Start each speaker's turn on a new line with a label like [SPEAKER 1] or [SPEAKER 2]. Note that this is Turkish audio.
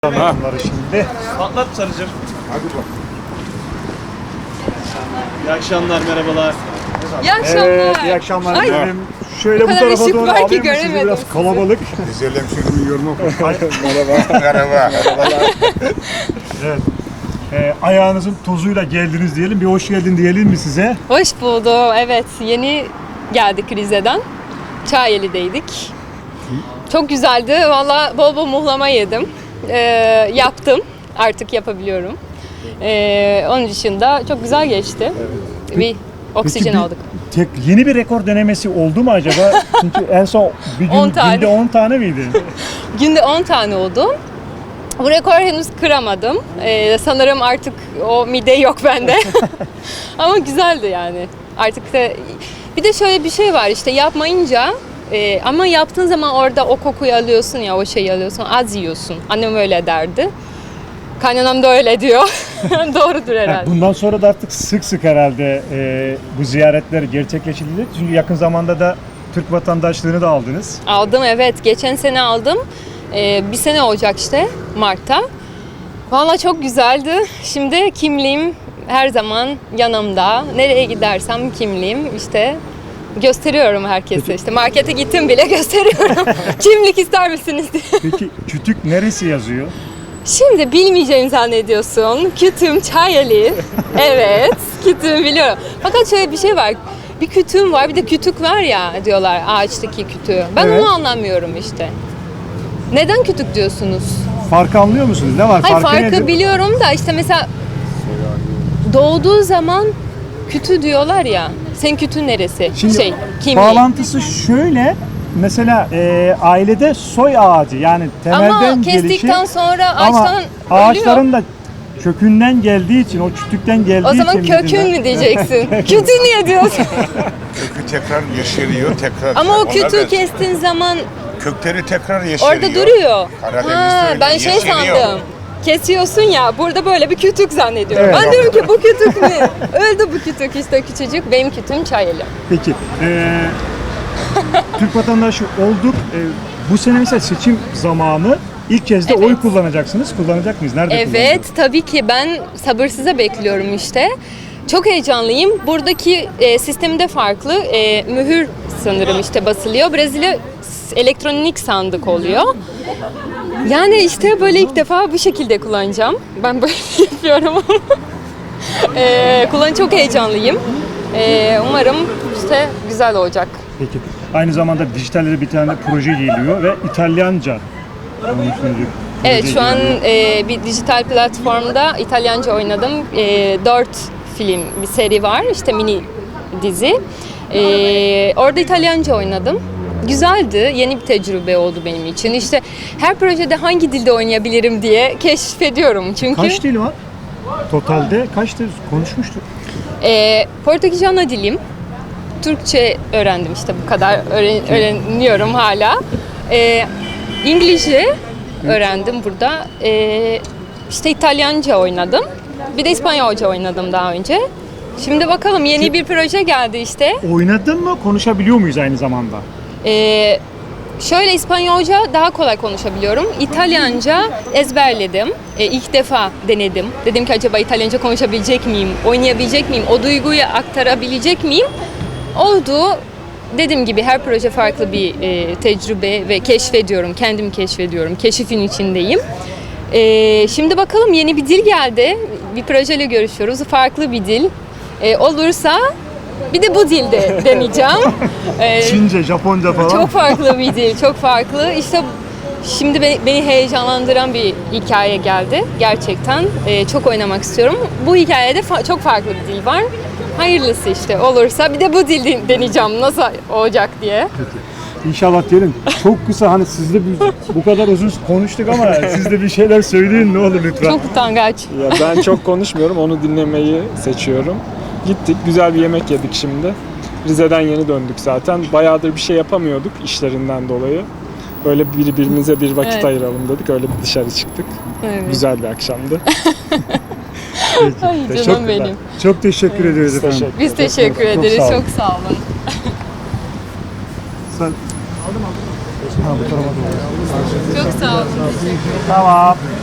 [SPEAKER 1] Bunları şimdi.
[SPEAKER 2] Patlat Sarıcığım.
[SPEAKER 1] Hadi bak.
[SPEAKER 2] İyi akşamlar, merhabalar.
[SPEAKER 3] İyi akşamlar.
[SPEAKER 1] Evet, iyi akşamlar
[SPEAKER 3] Ay,
[SPEAKER 1] dilerim. Şöyle
[SPEAKER 3] o
[SPEAKER 1] bu
[SPEAKER 3] kadar
[SPEAKER 1] tarafa
[SPEAKER 3] ışık
[SPEAKER 1] doğru
[SPEAKER 3] var ki
[SPEAKER 1] alayım mı sizi?
[SPEAKER 3] göremedim
[SPEAKER 1] Biraz
[SPEAKER 3] sizi.
[SPEAKER 1] kalabalık.
[SPEAKER 4] Güzel hemşehrimin yorumu oku. Merhaba.
[SPEAKER 1] Evet. Ayağınızın tozuyla geldiniz diyelim. Bir hoş geldin diyelim mi size?
[SPEAKER 3] Hoş buldum. Evet, yeni geldik Rize'den. Çayeli'deydik. Çok güzeldi. Valla bol bol muhlama yedim. Yaptım. Artık yapabiliyorum. Onun dışında çok güzel geçti. Bir oksijen
[SPEAKER 1] Peki
[SPEAKER 3] aldık.
[SPEAKER 1] Yeni bir rekor denemesi oldu mu acaba? Çünkü en son bir gün
[SPEAKER 3] 10 tane.
[SPEAKER 1] günde 10 tane miydi?
[SPEAKER 3] Günde 10 tane oldu. Bu rekoru henüz kıramadım. Sanırım artık o mide yok bende. Ama güzeldi yani. Artık da bir de şöyle bir şey var işte yapmayınca ama yaptığın zaman orada o kokuyu alıyorsun ya, o şeyi alıyorsun, az yiyorsun. Annem öyle derdi. Kaynanam da öyle diyor. Doğrudur herhalde.
[SPEAKER 1] Bundan sonra da artık sık sık herhalde bu ziyaretler gerçekleşilecek. Çünkü yakın zamanda da Türk vatandaşlığını da aldınız.
[SPEAKER 3] Aldım, evet. Geçen sene aldım. Bir sene olacak işte Mart'ta. Valla çok güzeldi. Şimdi kimliğim her zaman yanımda. Nereye gidersem kimliğim işte gösteriyorum herkese. İşte markete gittim bile gösteriyorum. Kimlik ister misiniz diye.
[SPEAKER 1] Peki kütük neresi yazıyor?
[SPEAKER 3] Şimdi bilmeyeceğimi zannediyorsun. Kütüğüm Çayeli. Evet, kütüğümü biliyorum. Fakat şöyle bir şey var. Bir kütüğüm var, bir de kütük var ya diyorlar, ağaçtaki kütüğü. Ben
[SPEAKER 1] Evet.
[SPEAKER 3] onu anlamıyorum işte. Neden kütük diyorsunuz?
[SPEAKER 1] Farkı anlıyor musunuz? Ne var?
[SPEAKER 3] Hayır, farkı
[SPEAKER 1] nedir?
[SPEAKER 3] biliyorum da işte mesela doğduğu zaman kütü diyorlar ya. Senin kütün neresi?
[SPEAKER 1] Şimdi
[SPEAKER 3] Kimliği.
[SPEAKER 1] bağlantısı şöyle. Mesela ailede soy ağacı yani temelden
[SPEAKER 3] Ama kestikten
[SPEAKER 1] gelişi,
[SPEAKER 3] sonra
[SPEAKER 1] ama
[SPEAKER 3] ağaçtan
[SPEAKER 1] ağaçların
[SPEAKER 3] ölüyor.
[SPEAKER 1] da kökünden geldiği için, o kütükten geldiği
[SPEAKER 3] O zaman
[SPEAKER 1] için
[SPEAKER 3] kökün mü diyeceksin? Kütü niye diyorsun?
[SPEAKER 4] Kökü tekrar yeşeriyor, tekrar.
[SPEAKER 3] Ama o
[SPEAKER 4] Ona
[SPEAKER 3] kütüğü
[SPEAKER 4] benziyor.
[SPEAKER 3] kestiğin zaman
[SPEAKER 4] Kökleri tekrar yeşeriyor.
[SPEAKER 3] orada duruyor.
[SPEAKER 4] Karadeniz'de öyle,
[SPEAKER 3] Ben şey
[SPEAKER 4] yeşeriyor.
[SPEAKER 3] sandım. Kesiyorsun ya, burada böyle bir kütük zannediyorum.
[SPEAKER 1] Evet.
[SPEAKER 3] Ben diyorum ki bu kütük ne? Öldü bu kütük işte, küçücük. Benim kütüğüm Çayeli.
[SPEAKER 1] Peki Türk vatandaşı olduk. Bu sene mesela seçim zamanı ilk kez de
[SPEAKER 3] Evet.
[SPEAKER 1] oy kullanacaksınız. Kullanacak mıyız? Nerede
[SPEAKER 3] Evet,
[SPEAKER 1] kullanacağız?
[SPEAKER 3] tabii ki ben sabırsızla bekliyorum işte. Çok heyecanlıyım. Buradaki sistemde farklı. Mühür sanırım işte basılıyor. Brezilya elektronik sandık oluyor. Yani işte böyle ilk defa bu şekilde kullanacağım. Ben böyle yapıyorum. Çok heyecanlıyım. Umarım işte güzel olacak.
[SPEAKER 1] Peki. Aynı zamanda dijitalde de bir tane proje geliyor ve İtalyanca.
[SPEAKER 3] Evet, şu an bir dijital platformda İtalyanca oynadım. 4 film, bir seri var, işte mini dizi. Orada İtalyanca oynadım. Güzeldi, yeni bir tecrübe oldu benim için. İşte her projede hangi dilde oynayabilirim diye keşfediyorum. Çünkü
[SPEAKER 1] Kaç dil var? Totalde kaç dil konuşmuştuk?
[SPEAKER 3] Portekizce ana dilim. Türkçe öğrendim işte bu kadar. Öğreniyorum hala. İngilizce öğrendim burada. İşte İtalyanca oynadım. Bir de İspanyolca oynadım daha önce. Şimdi bakalım, yeni bir proje geldi işte.
[SPEAKER 1] Oynadın mı? Konuşabiliyor muyuz aynı zamanda?
[SPEAKER 3] Şöyle, İspanyolca daha kolay konuşabiliyorum. İtalyanca ezberledim. İlk defa denedim. Dedim ki acaba İtalyanca konuşabilecek miyim? Oynayabilecek miyim? O duyguyu aktarabilecek miyim? Oldu. Dediğim gibi her proje farklı bir tecrübe ve keşfediyorum. Kendimi keşfediyorum. Keşifin içindeyim. Şimdi bakalım, yeni bir dil geldi. Bir projeyle görüşüyoruz. Farklı bir dil. Olursa bir de bu dilde deneyeceğim.
[SPEAKER 1] Çince, Japonca falan.
[SPEAKER 3] Çok farklı bir dil, çok farklı. İşte şimdi beni heyecanlandıran bir hikaye geldi. Gerçekten çok oynamak istiyorum. Bu hikayede çok farklı bir dil var. Hayırlısı işte, olursa bir de bu dil deneyeceğim nasıl olacak diye.
[SPEAKER 1] İnşallah diyelim. Çok kısa, hani sizle bu kadar uzun konuştuk ama siz de bir şeyler söyleyin ne olur lütfen.
[SPEAKER 3] Çok utangaç.
[SPEAKER 5] Ya ben çok konuşmuyorum, onu dinlemeyi seçiyorum. Gittik, güzel bir yemek yedik şimdi. Rize'den yeni döndük zaten. Bayağıdır bir şey yapamıyorduk işlerinden dolayı. Böyle birbirimize bir vakit
[SPEAKER 3] Evet.
[SPEAKER 5] ayıralım dedik, öyle bir dışarı çıktık.
[SPEAKER 3] Evet.
[SPEAKER 5] Güzel bir akşamdı.
[SPEAKER 1] Peki.
[SPEAKER 3] Ay
[SPEAKER 1] Çok-
[SPEAKER 3] canım benim.
[SPEAKER 1] Çok teşekkür ederiz
[SPEAKER 5] Biz
[SPEAKER 1] efendim.
[SPEAKER 3] Biz teşekkür
[SPEAKER 1] Çok
[SPEAKER 3] ederiz.
[SPEAKER 1] sağ olun.
[SPEAKER 3] Çok sağ olun.
[SPEAKER 1] Sen... Ha, bu tarafa doğru.
[SPEAKER 3] Çok sağ olun.
[SPEAKER 1] Tamam.